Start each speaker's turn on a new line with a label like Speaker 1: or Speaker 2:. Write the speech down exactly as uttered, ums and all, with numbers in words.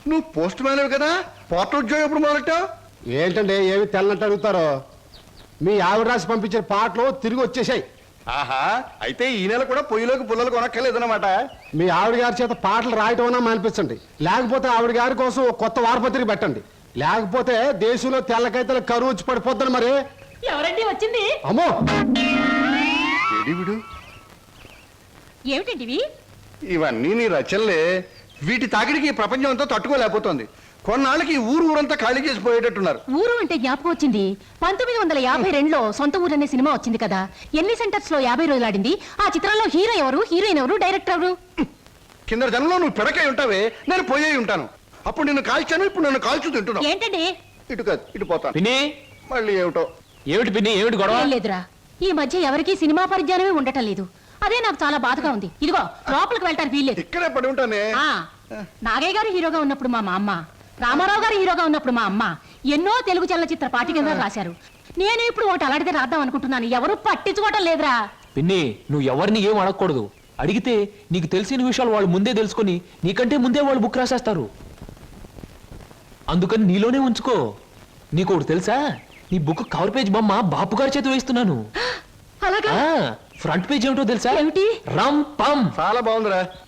Speaker 1: నువ్వు post man కదా, portal ఉద్యోగం ఎప్పుడు మొదలెట్టావు?
Speaker 2: ఏంటండి ఏమి తెల్లనట్టు అడుగుతారో? మీ ఆవిడ రాసి పంపించిన పాటలు తిరిగి వచ్చేసాయి.
Speaker 1: ఆహా, అయితే ఈ నెల కూడా పొయ్యిలోకి పుల్లలు కొనక్కర్లేదన్నమాట.
Speaker 2: మీ ఆవిడ గారి చేత పాటలు రాయటం అన్నా మానిపించండి, లేకపోతే ఆవిడ గారి కోసం ఒక కొత్త వారపత్రిక పెట్టండి. లేకపోతే దేశంలో తెల్లకైతే కరువు వచ్చి పడిపోద్దని. మరి
Speaker 3: ఎవరండి వచ్చింది?
Speaker 2: అమ్మో,
Speaker 1: విడు
Speaker 3: ఏమిటండి ఇవి?
Speaker 1: ఇవన్నీ నీ రచనలే. వీటి తాకిడికి ఈ ప్రపంచం అంతా తట్టుకోలేకపోతుంది. కొన్నాళ్ళకి ఈ ఊరు ఊరంతా ఖాళీ చేసి పోయేటట్టున్నారు.
Speaker 3: ఊరు అంటే జ్ఞాపకం వచ్చింది. పంతొమ్మిది వందల యాభై రెండులో సొంత ఊరు అనే సినిమా వచ్చింది కదా, ఎన్ని సెంటర్స్ లో యాభై రోజులు ఆడింది. ఆ చిత్రంలో హీరో ఎవరు, హీరోయిన్ ఎవరు, డైరెక్టర్ ఎవరు?
Speaker 1: కింద జనంలో నువ్వు పిడకై ఉంటావే, నేను పోయే ఉంటాను. అప్పుడు నిన్ను కాల్చాను, ఇప్పుడు నన్ను కాల్చు తింటున్నావు.
Speaker 3: ఏంటండి?
Speaker 1: ఇటు కాదు, ఇటు పోతాను.
Speaker 4: పిన్ని,
Speaker 1: మళ్ళీ ఏమిటో.
Speaker 4: ఏమిటి పిన్ని, ఏమిటి గొడవ?
Speaker 3: ఏం లేదురా, ఈ మధ్య ఎవరికి సినిమా పరిజ్ఞానమే ఉండటం లేదు. అదే నాకు చాలా బాధగా ఉంది. ఇదిగో లోపలికి వెళ్ళటానికి వీల్లేదు.
Speaker 1: ఇక్కడే పడి ఉంటానే.
Speaker 3: ఆ, నాగయ్య గారు హీరోగా ఉన్నప్పుడు మా అమ్మ, రామారావు గారు హీరోగా ఉన్నప్పుడు మా అమ్మ ఎన్నో తెలుగు చలనచిత్ర పాఠ్యగ్రంథాలు రాశారు. నేను ఇప్పుడు ఒకటి అలాంటిదే రాద్దాం అనుకుంటున్నాను. ఎవరు పట్టించుకోవటం లేదురా.
Speaker 4: పిన్ని, నువ్వు ఎవరిని ఏం అడగకూడదు. అడిగితే నీకు తెలిసిన విషయాలు వాళ్ళు ముందే తెలుసుకొని నీకంటే ముందే వాళ్ళు బుక్ రాసేస్తారు. అందుకని నీలోనే ఉంచుకో. నీకు ఒకటి తెలుసా, నీ బుక్ కవర్ పేజ్ బొమ్మ బాపు గారి చేత వేస్తున్నాను.
Speaker 3: అలాగా?
Speaker 4: ఫ్రంట్ పేజ్ ఏమిటో తెలుసా?
Speaker 3: ఏమిటి?
Speaker 4: రమ్ పమ్.
Speaker 1: చాలా బాగుందిరా.